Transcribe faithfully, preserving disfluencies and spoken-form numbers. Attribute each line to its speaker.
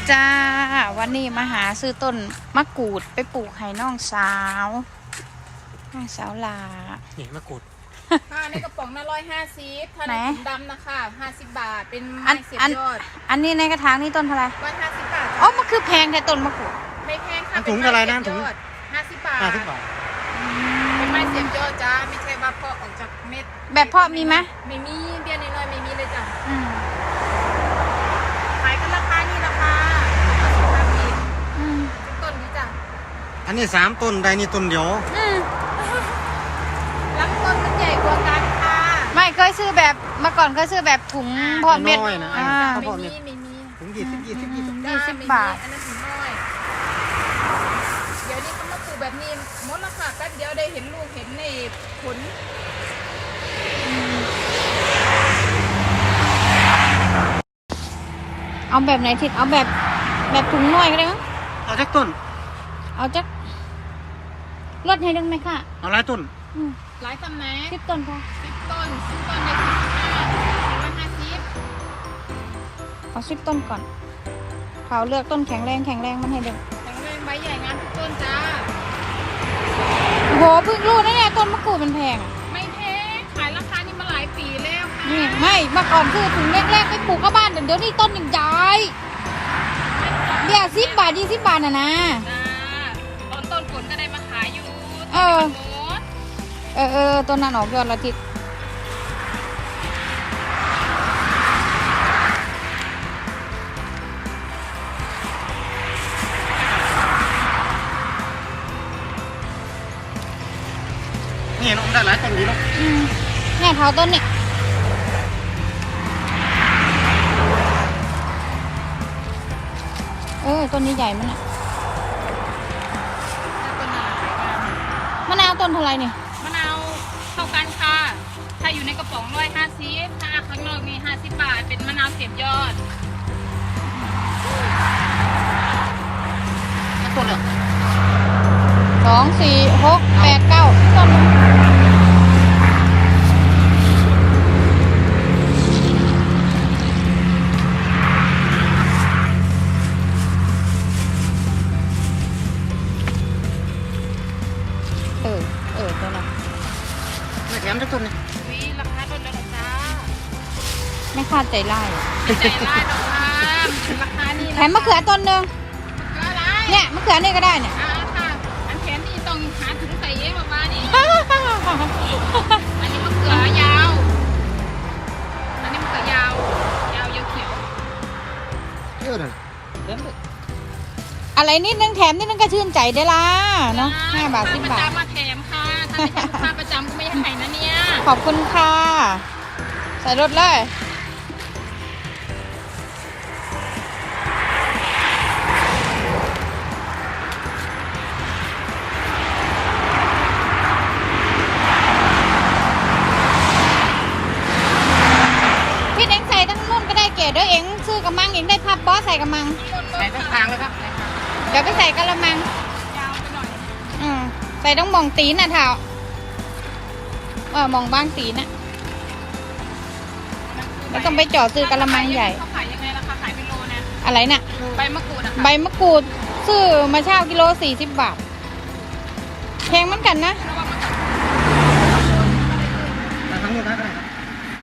Speaker 1: จ้าวันนี้มาหาซื้อต้นมะกรูดไปปลูกให้น้องสาวน้องสาวลา
Speaker 2: นี่มะกรูด
Speaker 3: ค่ะในกระป๋องน่ะร้อยห้าสิบถ้าในถุงดำนะคะห้าสิบบาทเป็นไม้เสียบยอด
Speaker 1: อันนี้ในกระถางนี่ต้นเท่าไหร่
Speaker 3: ร้อยห้าสิบบาท
Speaker 1: อ๋อมันคือแพงแต่ต้นมะกรูด
Speaker 3: ไม่แพงค่ะ
Speaker 2: ถุงเท่าไรนะถุง
Speaker 3: ห้าสิบบาท
Speaker 2: ห้าสิบบาท
Speaker 3: เป็นไม้เสียบยอดจ้าไม่ใช่ว่าเพาะออกจากเม็ด
Speaker 1: แบบเพาะมีไหม
Speaker 3: ไม่มีเบี้ยน้อยๆไม่มีเลยจ้ะขายกันราคานี่ราคาห้าสิบต้นนี้จ้ะ
Speaker 2: อันนี้สามต้นใดนี่ต้นเดียว
Speaker 3: ลำต้นมันใหญ่กว่ากันค่ะ
Speaker 1: ไม่เคยซื้อแบบเมื่อก่อนเคยซื้อแบบถุงเพาะเม็ด
Speaker 2: นะ
Speaker 3: ไม่มีไม่มี
Speaker 2: ถุงยี่สิบยี่สิบยี่สิบ
Speaker 1: ยี่สิบบาท
Speaker 3: อันนั้นถุงน้อยเดี๋ยวนี้เขามาปลูกแบบนี้มดละค่ะแป๊บเดียวได้เห็นลูกเห็นในผล
Speaker 1: เอาแบบไหนทิดเอาแบบแบบถุงน้อยก็ได้มั้ง
Speaker 2: เอาจักต้น
Speaker 1: เอาจักลดให้ดึงไหมค่ะ
Speaker 2: เอาหลายต้น
Speaker 3: หลายตำแหน่ง
Speaker 1: สิบต้นพอ
Speaker 3: สิบต้นสิบต้นในสิบห้าร้อยห้าสิบ
Speaker 1: เอาสิบต้นก่อนเขาเลือกต้นแข็งแรงแข็งแรงมันให้ดึง
Speaker 3: แข็งแรงใบใหญ่งามทุกต้นจ้า
Speaker 1: โหเพิ่งรู้นะเนี่ยต้นมะกรูดมันแพง
Speaker 3: ไม่แพงขายราคานี้มาหลายปีแล้วค่ะ
Speaker 1: นี่ไม่เมื่อก่อนคือถุงแรกๆไปปลูกก็บ้านเดี๋ยวนี้ต้นหนึ่งใหญ่เดี๋ยวสิบบาทยี่สิบบาทน่ะนะ
Speaker 3: ตอนต้นฝนก็ได้มาขายอยู่
Speaker 1: เออเออเออต้นนั้นออกยอดละทิศ
Speaker 2: นี่น้องได้หลายต้นดีเนาะ
Speaker 1: เนี่ยเท้าต้นนี่เออต้นนี้ใหญ่มันอะมะนาวต้นเท่าไรนี่
Speaker 3: มะนาวเท่ากันค่ะถ้าอยู่ในกระป๋องร้อยห้าสิบถ้าข้างนอกมีห้าสิบบาทเป็นมะนาวเสียบยอด
Speaker 2: ต้นเลย
Speaker 1: สองสี่หกแปดเก้าต้นเออเออต้นนั้น
Speaker 2: ไม่แถมทุกต้นเลย
Speaker 3: วิราคาต้นละจ้า
Speaker 1: ไม่คาดใจไล่
Speaker 3: ใจไล่หรอกค่ะราคานี่
Speaker 1: แถมมะเขือต้นหนึ่งเนี่ยมะเขือนี่ก็ได้เนี่ย
Speaker 3: อ่าค่ะอันแถมนี่ต้องหาถุงใส่เองประมาณนี้อันนี้มะเขือยาวอันนี้มะเขือยาวยาวเขียว
Speaker 2: เยอะเลย
Speaker 1: อะไรนิดนึงแถมนิดนึงก็ชื่นใจได้ละเนาะห้าบาทสิบบาท
Speaker 3: มาแถมค่ะถ้าไม่ใช่ลูกค้าประจำก็ไม่ให้นะเนี่ย
Speaker 1: ขอบคุณค่ะใส่รถเลยพี่เอ็งใส่ทั้งนุ่นก็ได้เก๋เด้อเอ็งซื้อกระมังเอ็งได้พับบอสใส่กระมัง
Speaker 2: ใส่ทั้งทางเลยครับ
Speaker 1: เดี๋ยวไปใส่กระมัง
Speaker 3: ยาวไปหน่อย
Speaker 1: อืมใส่ต้องมองตีนน่ะเท้าเออมองบ้างตีนน่ะแล้วต้องไปจ่อซื้อกระมังใหญ่
Speaker 3: เขาขายยังไงราคาขายเป็นโลนะ
Speaker 1: อะไรน่ะ
Speaker 3: ใบมะกรูดอะ
Speaker 1: ใบมะกรูดซื้อมาเช่ากิโลสี่สิบบาทแพงเหมือนกันนะ
Speaker 2: ทั้งหมดได้